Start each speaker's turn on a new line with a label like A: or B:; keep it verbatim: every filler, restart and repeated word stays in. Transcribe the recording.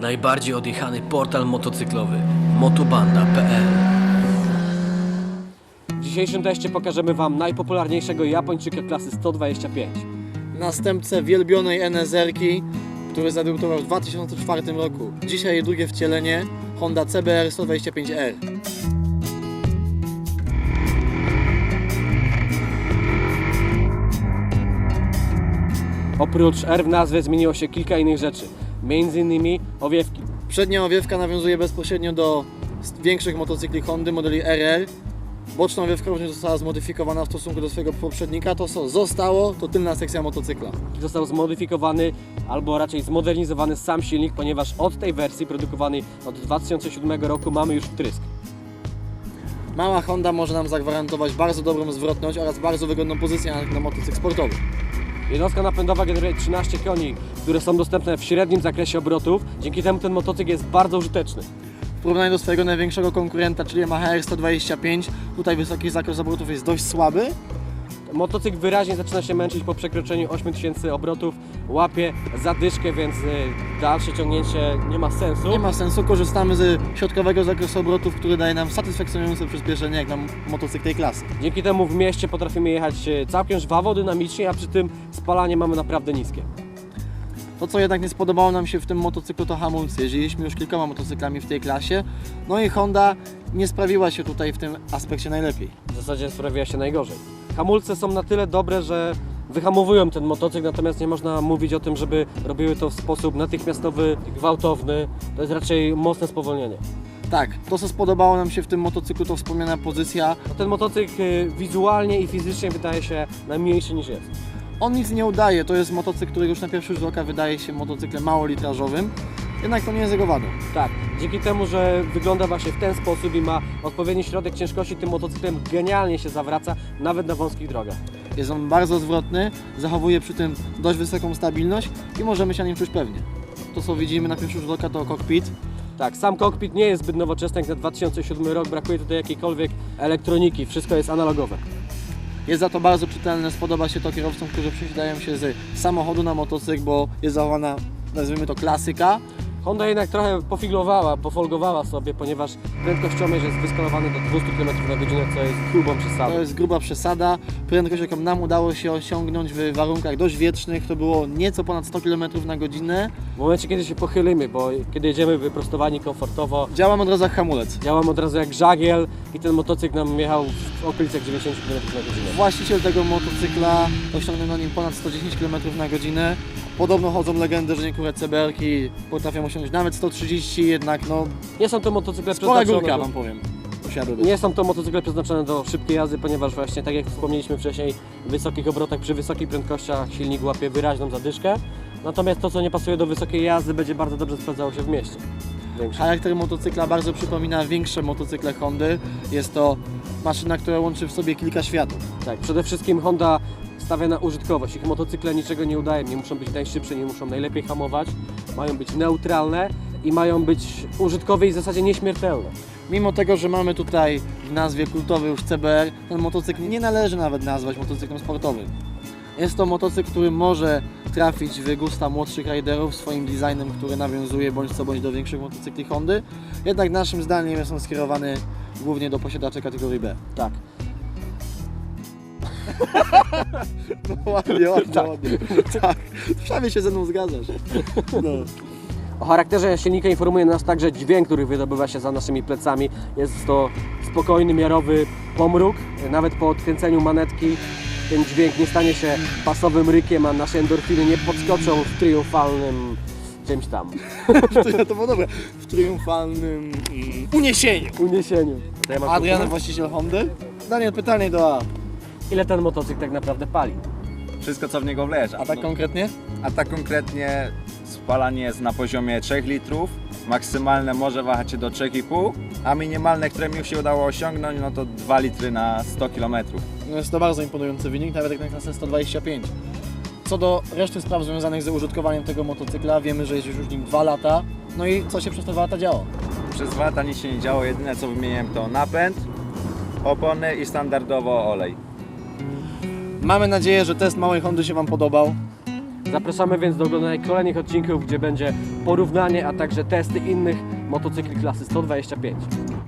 A: Najbardziej odjechany portal motocyklowy motobanda kropka p l.
B: W dzisiejszym teście pokażemy Wam najpopularniejszego Japończyka klasy sto dwadzieścia pięć.
C: Następcę wielbionej N S R-ki, który zadebiutował w dwa tysiące czwartym roku. Dzisiaj jej drugie wcielenie, Honda C B R sto dwadzieścia pięć R.
B: Oprócz R w nazwie zmieniło się kilka innych rzeczy, między innymi owiewki.
C: Przednia owiewka nawiązuje bezpośrednio do większych motocykli Hondy modeli R R. Boczna owiewka również została zmodyfikowana w stosunku do swojego poprzednika. To co zostało, to tylna sekcja motocykla.
B: Został zmodyfikowany, albo raczej zmodernizowany sam silnik, ponieważ od tej wersji produkowanej od dwa tysiące siódmego roku mamy już wtrysk.
C: Mała Honda może nam zagwarantować bardzo dobrą zwrotność oraz bardzo wygodną pozycję na, na motocykl sportowy.
B: Jednostka napędowa generuje trzynaście koni, które są dostępne w średnim zakresie obrotów. Dzięki temu ten motocykl jest bardzo użyteczny.
C: W porównaniu do swojego największego konkurenta, czyli Yamaha R sto dwadzieścia pięć, tutaj wysoki zakres obrotów jest dość słaby.
B: Motocykl wyraźnie zaczyna się męczyć po przekroczeniu ośmiu tysięcy obrotów, łapie zadyszkę, więc dalsze ciągnięcie nie ma sensu.
C: Nie ma sensu, korzystamy z środkowego zakresu obrotów, który daje nam satysfakcjonujące przyspieszenie jak na motocykl tej klasy.
B: Dzięki temu w mieście potrafimy jechać całkiem żwawo, dynamicznie, a przy tym spalanie mamy naprawdę niskie.
C: To, co jednak nie spodobało nam się w tym motocyklu, to hamulce. Jeździliśmy już kilkoma motocyklami w tej klasie, no i Honda nie sprawiła się tutaj w tym aspekcie najlepiej.
B: W zasadzie sprawiła się najgorzej. Hamulce są na tyle dobre, że wyhamowują ten motocykl, natomiast nie można mówić o tym, żeby robiły to w sposób natychmiastowy, gwałtowny. To jest raczej mocne spowolnienie.
C: Tak, to co spodobało nam się w tym motocyklu, to wspomniana pozycja.
B: No ten motocykl wizualnie i fizycznie wydaje się najmniejszy niż jest.
C: On nic nie udaje, to jest motocykl, który już na pierwszy rzut oka wydaje się motocyklem małolitrażowym, jednak to nie jest jego wadą.
B: Tak, dzięki temu, że wygląda właśnie w ten sposób i ma odpowiedni środek ciężkości, tym motocyklem genialnie się zawraca, nawet na wąskich drogach.
C: Jest on bardzo zwrotny, zachowuje przy tym dość wysoką stabilność i możemy się na nim czuć pewnie. To co widzimy na pierwszy rzut oka to kokpit.
B: Tak, sam kokpit nie jest zbyt nowoczesny jak na dwa tysiące siódmy rok, brakuje tutaj jakiejkolwiek elektroniki, wszystko jest analogowe.
C: Jest za to bardzo czytelne, spodoba się to kierowcom, którzy przesiadają się z samochodu na motocykl, bo jest zachowana, nazwijmy to, klasyka.
B: Honda jednak trochę pofiglowała, pofolgowała sobie, ponieważ prędkościomierz jest wyskalowany do dwieście kilometrów na godzinę, co jest grubą przesadą.
C: To jest gruba przesada. Prędkość, jaką nam udało się osiągnąć w warunkach dość wietrznych, to było nieco ponad sto kilometrów na godzinę.
B: W momencie, kiedy się pochylimy, bo kiedy jedziemy wyprostowani komfortowo,
C: Działam od razu jak hamulec.
B: działam od razu jak żagiel i ten motocykl nam jechał w okolicach dziewięćdziesiąt kilometrów na godzinę.
C: Właściciel tego motocykla osiągnął na nim ponad sto dziesięć kilometrów na godzinę. Podobno chodzą legendy, że niektóre C B R-ki potrafią osiągnąć nawet sto trzydzieści, jednak no
B: Nie są to motocykle
C: spora
B: przeznaczone
C: górka,
B: do...
C: wam powiem. Usiadły być.
B: Nie są to motocykle przeznaczone do szybkiej jazdy, ponieważ właśnie tak jak wspomnieliśmy wcześniej, w wysokich obrotach, przy wysokich prędkościach silnik łapie wyraźną zadyszkę. Natomiast to, co nie pasuje do wysokiej jazdy, będzie bardzo dobrze sprawdzało się w mieście. Większe.
C: Charakter motocykla bardzo przypomina większe motocykle Hondy. Jest to maszyna, która łączy w sobie kilka światów.
B: Tak, przede wszystkim Honda stawia na użytkowość. Ich motocykle niczego nie udają, nie muszą być najszybsze, nie muszą najlepiej hamować, mają być neutralne i mają być użytkowe i w zasadzie nieśmiertelne.
C: Mimo tego, że mamy tutaj w nazwie kultowy już C B R, ten motocykl nie należy nawet nazwać motocyklem sportowym. Jest to motocykl, który może trafić w gusta młodszych riderów swoim designem, który nawiązuje bądź co bądź do większych motocykli Hondy. Jednak naszym zdaniem jest on skierowany głównie do posiadaczy kategorii B.
B: Tak.
C: No ładnie, ładnie,
B: Tak.
C: ładnie. Tak, prawie się ze mną zgadzasz. No.
B: O charakterze silnika informuje nas także dźwięk, który wydobywa się za naszymi plecami. Jest to spokojny, miarowy pomruk. Nawet po odkręceniu manetki ten dźwięk nie stanie się basowym rykiem, a nasze endorfiny nie podskoczą w triumfalnym czymś tam
C: To było dobre. W triumfalnym mm, uniesieniu.
B: uniesieniu. To ja mam
C: Adrian,
B: kupę.
C: właściciel Hondy. Daniel, pytanie do A.
B: Ile ten motocykl tak naprawdę pali?
D: Wszystko co w niego wleże.
C: A tak konkretnie?
D: A tak konkretnie spalanie jest na poziomie trzech litrów, maksymalne może wahać się do trzech i pół, a minimalne, które mi już się udało osiągnąć, no to dwa litry na sto kilometrów.
C: No jest to bardzo imponujący wynik, nawet jak na klasę sto dwadzieścia pięć. Co do reszty spraw związanych z użytkowaniem tego motocykla, wiemy, że jeździsz już nim dwa lata. No i co się przez te dwa lata działo?
D: Przez dwa lata nic się nie działo, jedyne co wymieniłem to napęd, opony i standardowo olej.
C: Mamy nadzieję, że test małej Hondy się Wam podobał.
B: Zapraszamy więc do oglądania kolejnych odcinków, gdzie będzie porównanie, a także testy innych motocykli klasy sto dwadzieścia pięć.